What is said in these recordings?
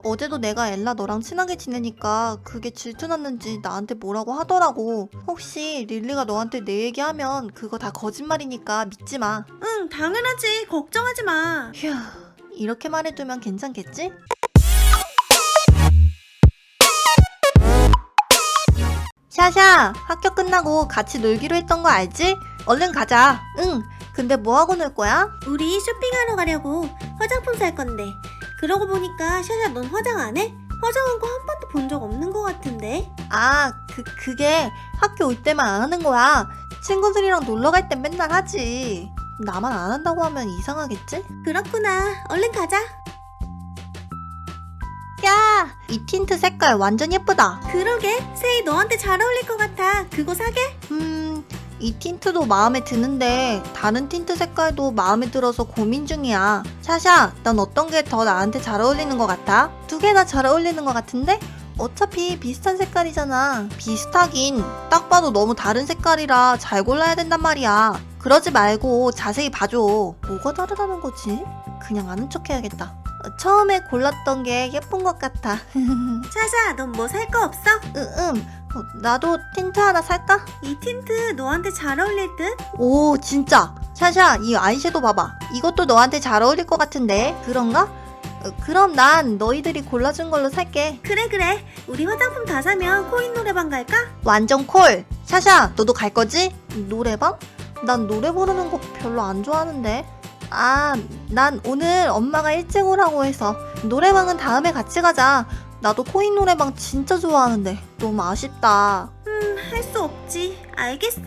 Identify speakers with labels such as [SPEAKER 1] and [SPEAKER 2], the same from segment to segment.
[SPEAKER 1] 어제도 내가 엘라 너랑 친하게 지내니까 그게 질투났는지 나한테 뭐라고 하더라고. 혹시 릴리가 너한테 내 얘기하면 그거 다 거짓말이니까 믿지 마.
[SPEAKER 2] 응, 당연하지. 걱정하지 마.
[SPEAKER 1] 휴, 이렇게 말해두면 괜찮겠지? 샤샤, 학교 끝나고 같이 놀기로 했던 거 알지? 얼른 가자. 응, 근데 뭐하고 놀 거야?
[SPEAKER 2] 우리 쇼핑하러 가려고 화장품 살 건데. 그러고 보니까 샤샤 넌 화장 안 해? 화장한 거 한 번도 본 적 없는 거 같은데.
[SPEAKER 1] 아, 그게 학교 올 때만 안 하는 거야. 친구들이랑 놀러 갈 땐 맨날 하지. 나만 안 한다고 하면 이상하겠지?
[SPEAKER 2] 그렇구나. 얼른 가자.
[SPEAKER 1] 야, 이 틴트 색깔 완전 예쁘다.
[SPEAKER 2] 그러게. 세이 너한테 잘 어울릴 것 같아. 그거 사게?
[SPEAKER 1] 이 틴트도 마음에 드는데 다른 틴트 색깔도 마음에 들어서 고민 중이야. 샤샤, 넌 어떤 게 더 나한테 잘 어울리는 것 같아? 두 개 다 잘 어울리는 것 같은데? 어차피 비슷한 색깔이잖아. 비슷하긴. 딱 봐도 너무 다른 색깔이라 잘 골라야 된단 말이야. 그러지 말고 자세히 봐줘. 뭐가 다르다는 거지? 그냥 아는 척 해야겠다. 처음에 골랐던 게 예쁜 것 같아.
[SPEAKER 2] 샤샤 넌 뭐 살 거 없어?
[SPEAKER 1] 나도 틴트 하나 살까?
[SPEAKER 2] 이 틴트 너한테 잘 어울릴 듯?
[SPEAKER 1] 오, 진짜. 샤샤, 이 아이섀도우 봐봐. 이것도 너한테 잘 어울릴 것 같은데. 그런가? 그럼 난 너희들이 골라준 걸로 살게.
[SPEAKER 2] 그래. 우리 화장품 다 사면 코인 노래방 갈까?
[SPEAKER 1] 완전 콜. 샤샤, 너도 갈 거지? 노래방? 난 노래 부르는 거 별로 안 좋아하는데. 아, 난 오늘 엄마가 일찍 오라고 해서 노래방은 다음에 같이 가자. 나도 코인 노래방 진짜 좋아하는데 너무 아쉽다.
[SPEAKER 2] 할 수 없지. 알겠어.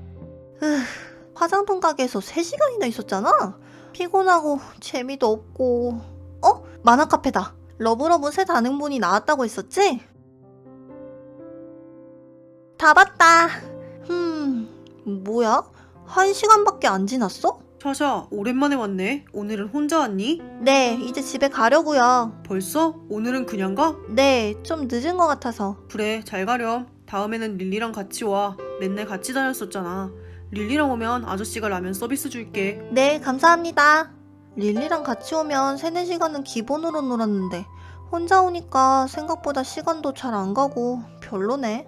[SPEAKER 1] 화장품 가게에서 3시간이나 있었잖아? 피곤하고 재미도 없고. 만화 카페다. 러브러브 새 단행본이 나왔다고 했었지? 다 봤다. 뭐야? 1시간밖에 안 지났어?
[SPEAKER 3] 샤샤, 오랜만에 왔네. 오늘은 혼자 왔니?
[SPEAKER 1] 네, 이제 집에 가려고요.
[SPEAKER 3] 벌써? 오늘은 그냥 가?
[SPEAKER 1] 네, 좀 늦은 것 같아서.
[SPEAKER 3] 그래, 잘 가렴. 다음에는 릴리랑 같이 와. 맨날 같이 다녔었잖아. 릴리랑 오면 아저씨가 라면 서비스 줄게.
[SPEAKER 1] 네, 감사합니다. 릴리랑 같이 오면 3-4시간은 기본으로 놀았는데 혼자 오니까 생각보다 시간도 잘 안 가고 별로네.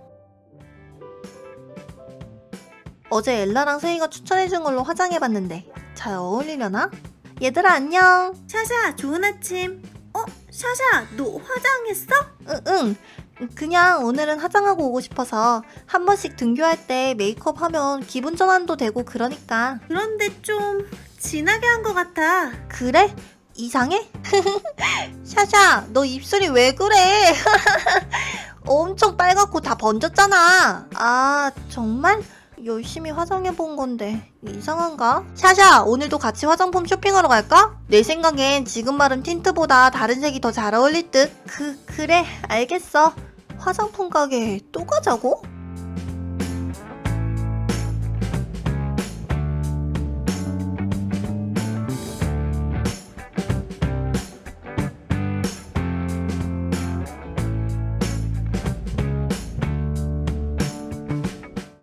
[SPEAKER 1] 어제 엘라랑 세이가 추천해준 걸로 화장해봤는데 잘 어울리려나? 얘들아 안녕.
[SPEAKER 2] 샤샤 좋은 아침. 샤샤 너 화장했어?
[SPEAKER 1] 응. 그냥 오늘은 화장하고 오고 싶어서 한 번씩 등교할 때 메이크업 하면 기분 전환도 되고 그러니까.
[SPEAKER 2] 그런데 좀 진하게 한 것 같아.
[SPEAKER 1] 그래? 이상해? 샤샤, 너 입술이 왜 그래? 엄청 빨갛고 다 번졌잖아. 아, 정말? 열심히 화장해본 건데 이상한가? 샤샤, 오늘도 같이 화장품 쇼핑하러 갈까? 내 생각엔 지금 바른 틴트보다 다른 색이 더 잘 어울릴 듯. 그래, 알겠어. 화장품 가게에 또 가자고?